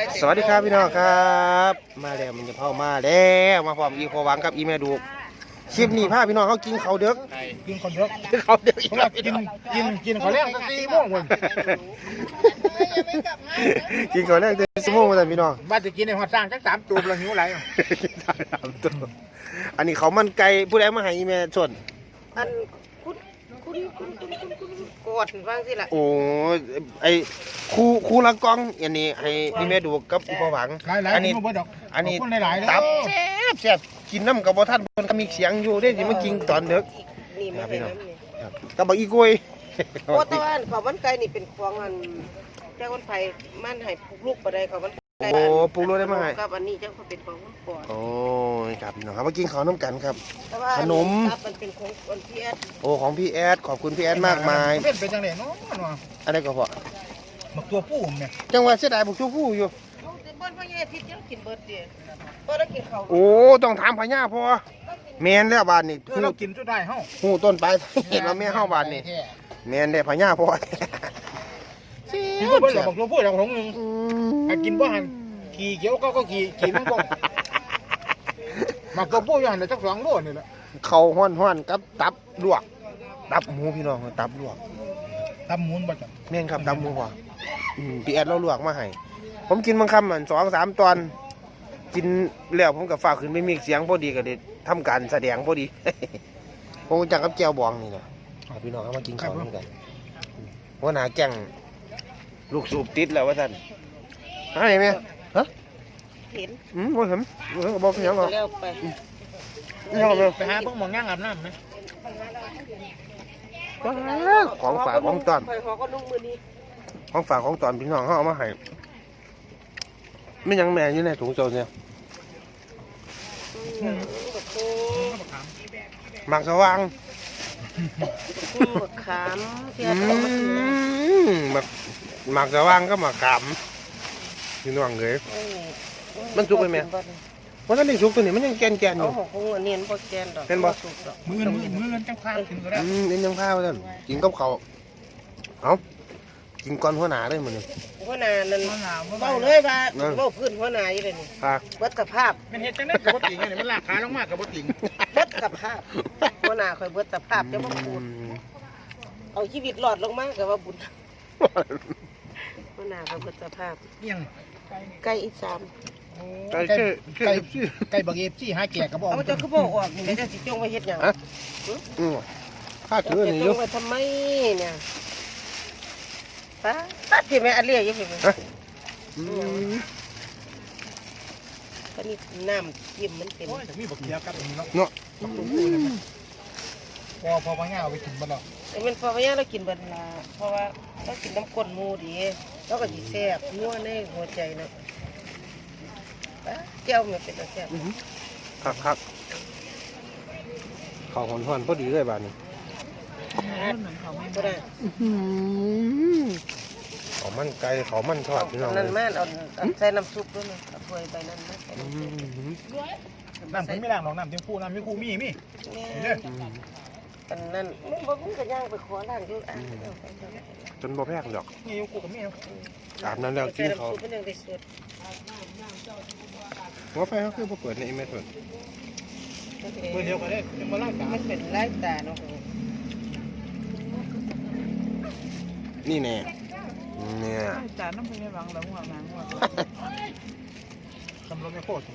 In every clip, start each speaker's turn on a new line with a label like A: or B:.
A: สวัสดีครับพี่น้องครับมาแล้วมันจะเข้ามาแล้วมาพร้อมอีพอหวังกับอีแม่ดูคลิปนี้พาพี่น้องเขากินข้าวเด็ก
B: กินคนเยอะ
A: ข้าวเด็กอีกแล้ว
B: กินเขาเรียก4 โมงคน
A: กินข้าวแรกเดือนสมงมาแต่พี่น้อง
B: บ้านจะกินในหัวสร้างจัก3 ตูบแล้วหิวไหล
A: อันนี้เขามันไก่ผู้ใดมาให้อีแม่ส่วน
C: อันกอดฟังสิล่ะ
A: โอ้ไอคู่ละกองอันนี้ให้อีแม่ดูกับอีพอหวัง
B: อันนี้
A: ตับแซ่บกินน้ำกับบ่ทันคนก็มีเสียงอยู่ได้สิมากินตอนดึก
C: นี่มาเป็นน้ำนี่
A: กับบักอีกล้วย
C: โอ้ตอนเขาวันไก่นี่เป็นของอันเจ้าคนไผ่มันให้ปลูกลูกปะได้เขาวันไก่
A: โอ้ปลูกลูกได้มาให้
C: กับอันนี้เจ้าเขาเป็นของคนก่อน
A: โอ้ยครับพี่น้องครับมากินข้าวน้ำกันครับขนม
C: มันเป็นของคนพี่แอด
A: โอ้ของพี่แอดขอบคุณพี่แอดมากมาย
B: เป็นจังได๋เนาะ
A: อะไรก็พอ
B: บักตัวผู้เนี่ย
A: จังหวัดเสียดายบักชูผู้อยู่
C: บ้านพ่อใหญ่ทิศยังกินเบิดเดียวก็ได้กินข้าว
A: โอ้ต้องถามพญาพ่อแมนแล้วบ้านนี่
B: เรากินจุดได้เฮา
A: หูต้นไปเห็นว่าแม่เฮาบ้านนี่แมนได้พญาพ่อ
B: กินบ่เบิดบักตัวผู้ของนึงกินบ่หันขี่เขียวก็ขี่มันบ่บักตัวผู้อยู่หันได้จัก2 โลนี่แหละ
A: เขาฮ้อนๆกับตับลวกตับหมูพี่น้องตับลวก
B: ตับหมูบ่จ้ะ
A: แม่นครับตับหมูพ่อพี่แอดเราลวกมาให้ผมกินบางคำมัน2-3 ตอนกินแล้วผมกับฝากขึ้นไม่มีเสียงพอดีก็เลยทำการแสดงพอดีผมจังกับแก้วบองนี่นะพี่น้องเขามากินข้าวด้วยกันว่าหนาแก่งลูกสูบติดแล้วว่าท่านอะไรไหมฮะ
C: เห็น
A: ว่าเห็นบอกยังหรอ
B: ไปหาพวกมองย่างอาบน้ำไหม
A: ของฝากของตอนของฝากของตอนพี่น้องเขาเอามาให้ไม่ยังแม่อยู่ในถุงโซนเนี่ยหมักสว่าง
C: ขาม
A: หมักสว่างก็หมักขามพี่น้องเลยมันสุกไปไหมว่าท่านได้สุกตัวนี้มันยังแกนอยู่
C: คงเนียนพอแกนดอก
A: เป็นบ่
B: มือจังข้าวกินก็ได้
A: เนียนจังข้าวท่านกินกับเขาเอากินก้อนหัวหนาเลยมันนี่
C: หัวหนานั่นเบาเลยว่าเบาพื้นหัวหนาอยู่เลยนี่วัดสภาพ
B: มันเห็ดจังได้กับวัดติ่งเนี่ยมันลากขาลงมากกับวัดติ่ง
C: วัดสภาพหัวหนาคอยวัดสภาพจะมาพูดเอาชีวิตหลอดลงมากกับว่าบุญหัวหนาคอยวัดสภาพ
B: ยัง
C: ไก่อีสาม
B: ไก่บักเอฟซี่หาแก่กระบอก
C: เอาจะคือบอกออกนี่จะสิจงไว้เฮ็ดหยัง
A: ข้าถือนี่
C: จงไว้ทำไมเนี่ยตัดที่แม่อันเลี้ยยังไงตอนนี้น้ำจิ้มมันเป็น
B: มีบักเกี๊ยวกับนี่
A: เนาะ
B: พอง่ายเอาไปกินบ้านเรา
C: แต่มันพอง่ายเรากินบ้านละเพราะว่าเรากินน้ำก้นมูดีเราก็ดีแซ่บนัวในหัวใจนะเจ้ามันเป็นแซ่บ
A: ครับข้าวหอนพอดีเลยบ้านนี้
C: ก็ได้
A: ข้าวมันไก่ข้าวมันทอดพี่น้อง
C: นั่นแม่เอาใส่น้ำซุปด้วยนะเอาถ้วยไปนั่นนะ
B: น้ำไม่ล้างหรอกน้ำเต็มคู่น้ำไม่คู่มี
C: อันนั้นมึงก็ย่างไปขอล้างอยู่
A: จนบ่แพงดอก
B: มีคู่กับมี
A: อาบน้ำแล้วกินเขาว่าไฟเขาคือบ่เปิดในอีเมลเปิด
B: เดียวกันเลยจะมาไล่ตา
C: มันเป็นไล่ตาเนาะ
A: นี่แน่เนี่ย
C: จานน้ำพริกไม่บังแล้วหัวหางหัว
B: คำรถไม่โคตร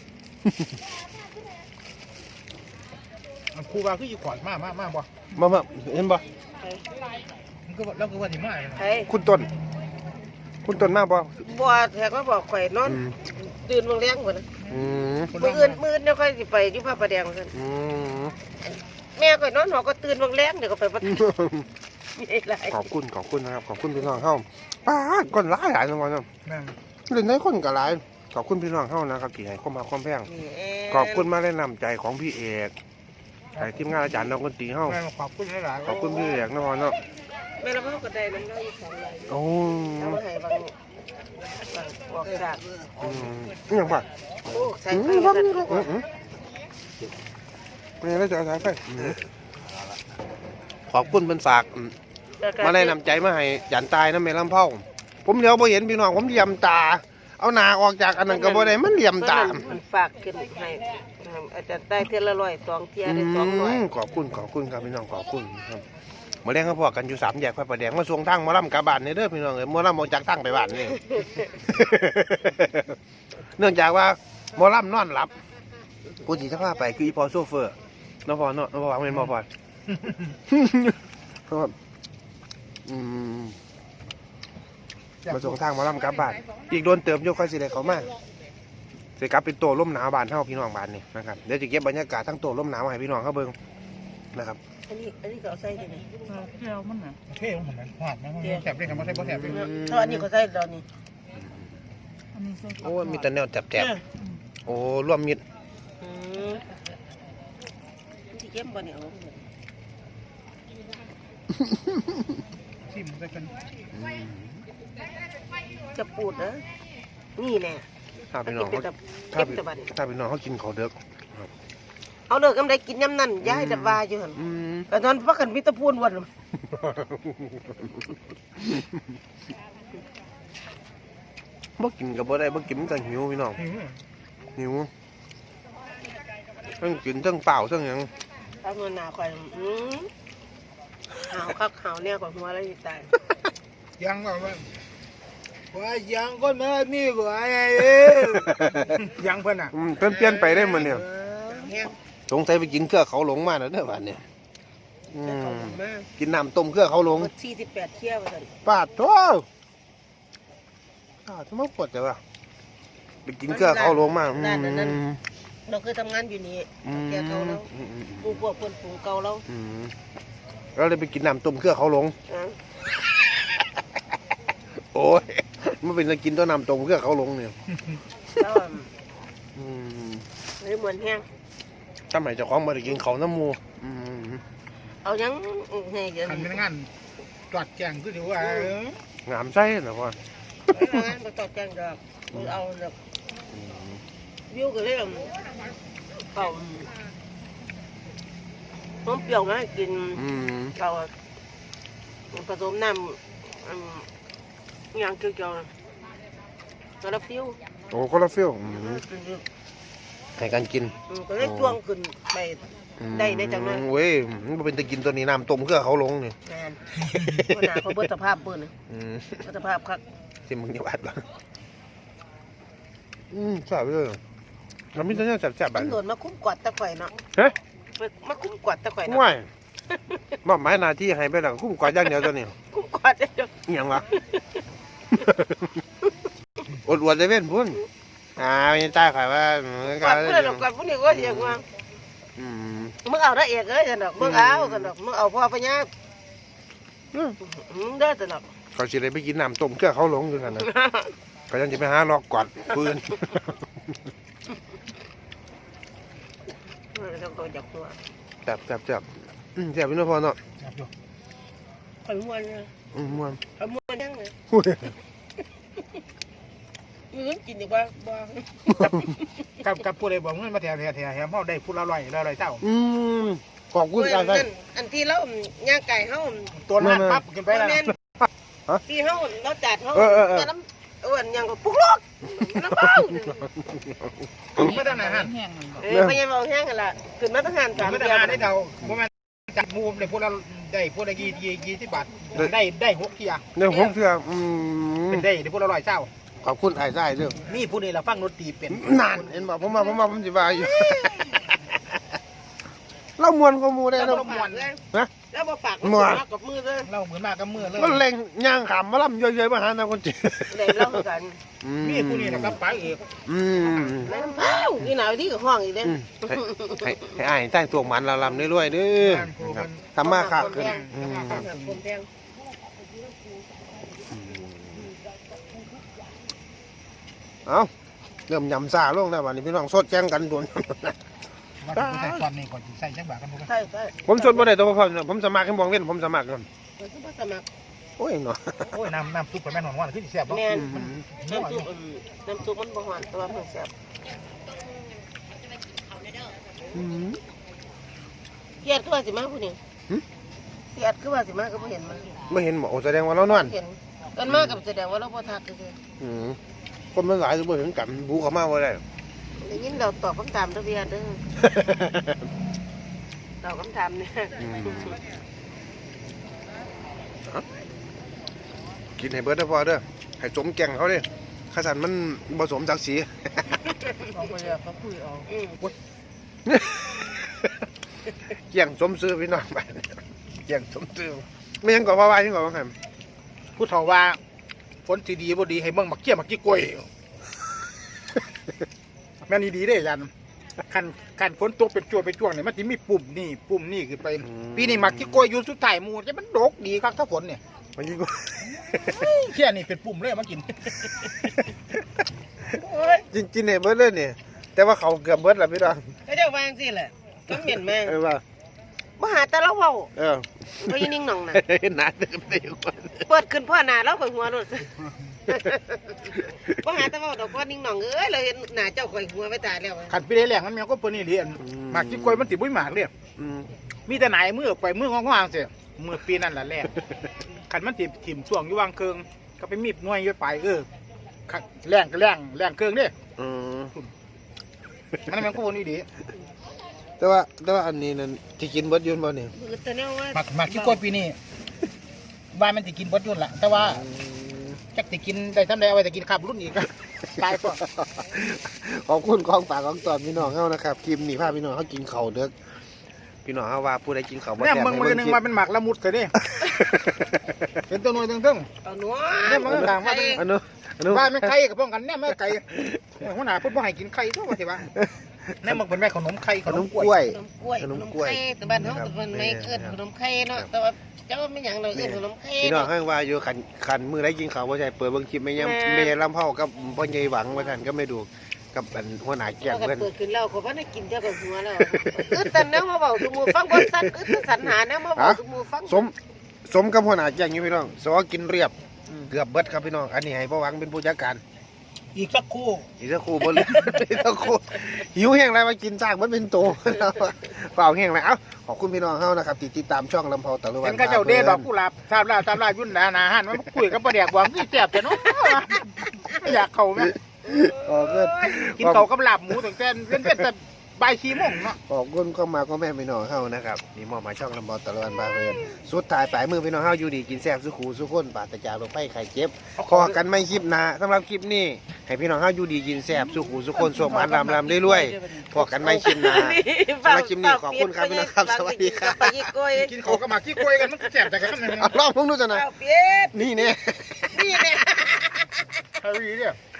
B: ครูบาคืออยู่ขอดมากบ่
A: มาเห็นบ่
B: มันก็แล้วก็ว่าที่มา
A: คุณต้นมากบ่
C: แทกมาบอกข่อยนอนตื่นเมืองแรงกว่านะมืออื่นเนี่ยค่อยสิไปที่พระประแดงกันแม่ข่อยนอนหอก็ตื่นเมืองแรงเดี๋ยวก็ไปประ
A: ขอบคุณนะครับขอบคุณพี่น้องเข้าป้าก้นหลายจังหวะนั้นเล่นได้คนกับหลายขอบคุณพี่น้องเข้านะครับที่ให้เข้ามาความแพงขอบคุณมาแนะนำใจของพี่เอกใส่ทีมงานอาจารย์น้องคนตีเข้า
B: ขอบคุณหลาย
A: ขอบคุณพี่เอกนะพ่อเนาะ
C: แม่เราก็ได้น้ำเราอยู่2 วัน
A: โอ้
C: เอามาให้บางบอกจาก
A: ยังป่ะ
C: โอ้ใส่ไฟ
A: ไม่ได้จะใส่ไฟขอบคุณเป็นฝากมาได้นำใจมาให้ยันตายนะแม่ลำเผาผมเดี๋ยวพอเห็นพี่น้องผมเยี่ยมตาเอาหนาออกจากอันนั้นก็บ่ได้มันเหลี่ยมตาม
C: มันฝากขึ้นให้อาจารย์ได้เทื่อละ100 2เที่ยได้200
A: ขอบคุณครับพี่น้องขอบคุณครับมาเลี้ยงเขาพอกันอยู่3 แยกไฟประแดงมาส่งทางหมอลำกลับบ้านนี่เด้อพี่น้องเอ้ยหมอลำออกจากทางไปบ้านนี่ เนื่องจากว่าหมอลำนอนหลับผู้ที่จะพาไปคืออีพอโซเฟอร์น้องพอเนาะน้องพอเป็นหมอพอ ครับมาส่งทางหมอลำกลับบ้านอีกโดนเติมโยกค่อยสิได้เขามาสิกลับเป็นโตร่มหนาวบ้านเฮาพี่น้องบ้านนี่นะครับเดี๋ยวจะเก็บบรรยากาศทั้งโตร่มหนาวให้พี่น้องเขาเบิ่งนะครับ
C: อันนี้ก็เอาใส่ได้ไหม
B: เที่ยวมันน่ะเท่ของผมนะหอดนะแสบเลยครับบ่ใช่บ่แสบเลย
C: เพราะอันนี้ก็ใส่แล้วนี่
A: โอ้มีแต่แนวแจบๆโอ้ร่วมมิตร
C: ที่เก็บบ่เนี่ยเอา
B: ชิมได้กัน
C: จะปูดนะนี่แน่
A: ถ้าพี่น้อง
C: เป็น
A: เขา
C: แบบ
A: ถ้า
C: เก็บตะบัน
A: พี่น้องเขากินเขาวเด็ก
C: เอาเลิกกำไดกินยำนั่นย้ายจะว่าอยู่หั่นก็นอนพักกันมีแตะพูนวัน
A: บ่กินกับบ่ได้บ่กินมันก็หิวพี่น้องหิวทั้งกินทั้งเปล่าทั้งหยัง
C: ถ้าเงินหนาข่อยหาวคักหาวเนี่ยข่อยหัวอะไรตาย
B: ยังว่ายังก็มามีกว่ายังเพิ่นอ่ะ
A: เพิ่นเปลี่ยนไปได้มันเนี่ย
C: แห้ง
A: สงสัยไปกินเครือเขาหลงมาแล้วเด้อบ้านเนี่ย
C: จะเข้ามา
A: กินน้ำต้มเครือเขาหลง
C: หมด48เที่ยวว่าซั่น
A: ปาดโธ่ทำไมปวดจังวะไปกินเครือเขาหลงมา
C: เราเคยทำงานอยู่นี่แกเก่าแล้วปลูกพวกเพิ่นปลูกเก่าแล้ว
A: เราเลยไปกินน้ำต้มเครือเขาหลงโอ้ยมันเป็นจะกินตัวน้ำต้มเครือเขาหลงเนี่ย
C: แล้วเลยเหมือนแห้ง
A: ทำไมเจ้าของมาได้กินเขาน้ำมู
C: เอายังให้เดี๋ยว
B: คัน
C: นี้
B: เป็นงานจอดแจงคือถือว่าง
A: ามไส้นะพ่อ
C: งานบ่ตอบแจ้งดอกเอาดอกวิวก็เลยเอาน้ำเปรี้ยวมาให้กินเราผสมน้ำอย่างเกี่ยวๆแล้วฟิว
A: โอ้คนละฟิลให้กันกิน
C: ก็เลยจ้วงขึ้นไปได้จังนั้น
A: เว้ยมันเป็นตะกินตัวนี้น้ำต้มเครือเขาหลงนี่
C: แมนขนาดเขาเบิดสภาพเบิ้ลสภาพคัก
A: ที่มึงอยู่อัดบ้างแซ่บเลยเราไม่ต้องแซ่บๆแบบ
C: ตำรวจมาคุ้มกวาดตะไคร่เนาะ
A: เฮ้ย
C: มาคุ้มกวาดตะไคร่เนาะ
A: ง่ายมอบหมายหน้าที่ให้ไปหลังคุ้มกวาดอย่างเดียวตัวนี้
C: คุ้มกวาดเดียว
A: อหย่างวะ อวดได้เว้นพุ่นไม่ใช่ขายว่าก
C: วาดเพื่อนกวาดพวกนี้ก็เสียงว่ามึงเอาได้เอกเลยสนอกมึงเอาสนอกมึงเอาพ่อพญามึงได้สนอก
A: เขาสิได้ไปกินน้ำต้มเครือเขาหลงอยู่กันนะเขายังจะไปหาลอกกวาดปืน
C: เราตัวจับตัว
A: จับพี่น้องพ่อเนาะ
C: ข่อยม้วนเลย
A: ม่วน
C: ข่อยม้วนยังเลยมึงกินดีกว่าบ้า
B: กับผู้ใดบอกเงินมาแถวแถวเฮาได้ผู้ละ100เจ้า
A: ขอบคุณการใส่
C: อันที่เราย่างไก่เขา
B: ตัวนั้นปั๊บขึ้นไปแล้ว
C: ที่เขาเราจัดเขาแต่น้ำอ้วนยังก็ปุ๊กลกน้ำเบ้า
B: ไม่ต้องอาหาร
C: พยายามเอาแห้งกันละขึ้นมาต้องหัน3
B: ไม่
C: เดื
B: ต้อง
C: อน
B: อาหารได้เท่าบ่แม่นจัดมูได้ผู้ละ20 บาทได้6เที่ย
A: เนี่ยผมเชื่อ
B: เป็นได้ผู้ละ100เจ้า
A: ขอบคุณไอ้ไส้เด้อ
B: มีผู้นี้ละฟังดนตรีเป็น
A: นานเห็นบอกผมสิบายอยู่ เล่ามวนก็มูได้
C: แล้ว
A: เนาะ
C: บ่ฝากเลยแล้วบ่ฝากกับมือเลย
B: เราเหมือนมากับมือเลย
A: มันเล็งย่างขำมาล่ำเยอะๆมาหาทางคนจีน
C: เลยเล่ากัน
B: มีผู้นี้นะครับป๋าเอก
C: น้ำเบ้าที่ไหนที่กับห้องอีกเด้
A: ให้อ้ายใต้ตัวมันเราลำเรื่อยๆเด้อทำมาค้าขึ้น
C: คนแพง
A: เอาเริ่มยำซาลงแล้ววันนี้พี่น้องสดแจ้งกันด่วน
B: มาดูใส่ตอนนี้ก่อนใส่จังบาทกันพวก
C: ใช่
A: ผมสดบ่ได้ตัวพ่อผมสมัครให้มองเว้นผมสมัครกัน
C: ผมก็สมัคร
A: โอ้ยเนาะ
B: โอ้ยน้ำซุปกับแม่นอนขึ้นแซ่บ
C: แม่น้ำซุปมันบ่หวานแต่ว่ามันแซ่บเกียดคือว่าสิมาผู้นี้เกียดคือว่าสิมาก็บ่เห็นมัน
A: ไม่เห็นหมอแสดงว่าเรานอน
C: เห็นกันมากับแสดงว่าเราบ่ทักคือ
A: คนมันหลายทุกคนถึงกันบูเขามาว่าได้
C: ได้ยินเราตอบคำถามเด้อพี่อาเด้อตอบคำถามเนี่ย
A: กินให้เบิร์ดเด้อพ่อเด้อให้สมแก่งเขาเด้ข้าสันมันผสมศักดิ์ศรี
B: เอาไปเลยเขาคุยเอา
A: เกี่ยงสมซื้อพี่น้องไปเกี่ยงสมซื้อไม่ยังก่อว่าว่ายังก่อว่าไง
B: ผู้เฒ่าว่าฝนสีดีบ่ดีให้เบิ่งมักเกี้ยมักกี้กล้วยแม่นดีเด้ยันคันฝนตกเป็นจั่วเป็นจ้วงเนี่ยมันสิมีปุ่มนี่ขึ้นไปปีนี้มักกี้กล้วยอยู่สุดท้ายหมู่จะมันดกดีครับถ้าฝนเนี่ย
A: มันยิ่งกว่า
B: เขี้ยนี่เป็นปุ่มเลยมากิน
A: กินให้เบิร์ดเลยเนี่ยแต่ว่าเขาเกือบเบิร์ดแล้วพี่น้อง
C: ก็จะวางสิแหละก็เหม็นมาก
A: ว่า
C: มาหาแต่เราเว้า
A: เออ
C: บ่ยินิ่งหนองน่ะ
A: หนาเต็มได้อยู่ก่อน
C: เปิดขึ้นพ่อหน้าเราข่อยหัวโลดบ่หาแต่เว้าดอกพ่อนิ่งหนองเอ้ยเราเห็นหน้าเจ้าข่อยหัวไปตายแล้ว
B: ขันปีได้แรงมันแมวก็เปิ้นนี่เรียนมักกี้กล้วยมันติบุ้ยหมากเรีย
A: อืม
B: มีแต่ไหนมือออกไปมืององๆเสียมือปีนั่นแหละแรกขันมันติถิ่มช่วงอยู่วางเคืองก็ไปมีบหน่วยอยู่ไปขัดแรงก็แรงเคืองเด้
A: อืม
B: มันแมวก็วนนี่ดี
A: แต่ว่าอันนี้นั่นที่กินเบิร์ดยืนบ่เนี่ย
C: มือแต่แนวว่า
B: มักกี้กล้วยปีนี้ว่ามันติกินบดยุ่นละแต่ว่าจักติกินได้ทำได้เอาไว้แต่กินขับรุ่นอีกตายก่อน
A: ขอบคุณของฝากของตอนพี่น้องเฮานะครับคลิปนี้พาพี่น้องเฮากินข้าวเด้อพี่น้องเฮาว่าผู้ใดกินข้าวบ่
B: เนี่ย
A: แซ่บ
B: มึงมือหนึ่งมาเป็นหมักละมุดเลยนี่เป็นตัวหน่วยตึง
C: เอาหนัว
B: เนี่ยมันต่างว่า
A: อันนู้น
B: ว่าไม่ไข่กับป้องกันเนี่ยไม่ไข่หัวหน้าพูดว่าให้กินไข่ทั่วไปสิวะเนี่ยมันเป็นแม่ขนมไข่
A: ขนมกล้วย
C: ขนมกล้วยขนมไข่แต่บ้านเฮาแต่มันไม่เอิ้นขนมไข่เนาะแต่ว่าเจ้าไม่หยังเราเอิ้นขนมไข่
A: พี่น้องเฮาว่าอยู่คันมื้อใดกินข้าวบ่ใช่เปิดเบิ่งคลิปแม่ยำแม่ลำเผากับพ่อใหญ่หวังว่าซั่นก็ไม่ดูกับอันหัวหน้าแก้ม
C: เพิ่
A: เพิ่น
C: เปิดขึ้นแล้วก็บ่ได้กินเท่ากับหัวแล้วแต่แนวมาเว้าทุกหมู่ฟังบ่ซัดสรรหาแนวมาเว้าทุกหมู่ฟัง
A: สมกับหัวหน้าแก้มอยู่พี่น้องสอกินเรียบเกือบเบิดครับพี่น้องอันนี้ให้พ่อหวังเป็นผู้จัดการ
B: อีกสักคู่
A: อีกสักครู่บนอีกสักครู่หิวแห้งอะไรมากินสร้างมันเป็นโตเปล่าแห้งเลยเอ้าขอบคุณพี่น้องเฮานะครับติดตามช่องลำเผาตะลุวั
B: เห็
A: น
B: นข้าเจ้าเดดอกกุหลาบตามลายุ่นนาหันมันคุยกับประเดี๋ยวหวังที่แซ่บแต่เนาะอยากเข่าไหม
A: อ๋อเกิด
B: กินเข่ากับลาบหมูตั้งแต่เล่นแต่ใบชีม่งเนาะ
A: ขอบคุณเข้ามาก็แม่พี่น้องเฮานะครับนี่มอบมาช่องลำเผาตะลุวันบาเพิ่นสุดท้ายปลายมือพี่น้องเฮาอยู่ดีกินแซ่บสุขูสุขคนปราศจากโรคภัยไข้เจ็บขอกันไม่คลิปหน้าสำหรับคลิปนี้ให้พี่น้องเฮาอยู่ดีกินแซ่บสุขูสุขคนสมหวานรำเรื่อยๆพอกันไม่คลิปหน้า สำหรับคลิปนี้ขอบคุณครับพี่น้องครับสวัสดีครับ
C: ไปยิกกล้วย
B: กินเข่ากับหมากขี้กล้วยกันมันแซ่บแต่กันนั่น
A: เอาลองพวกนู้นจะหน่อย
C: เอาเปี๊ยด
A: นี่เนี่ย
C: นี่เนี่ย
B: เฮ้ยเนี่ย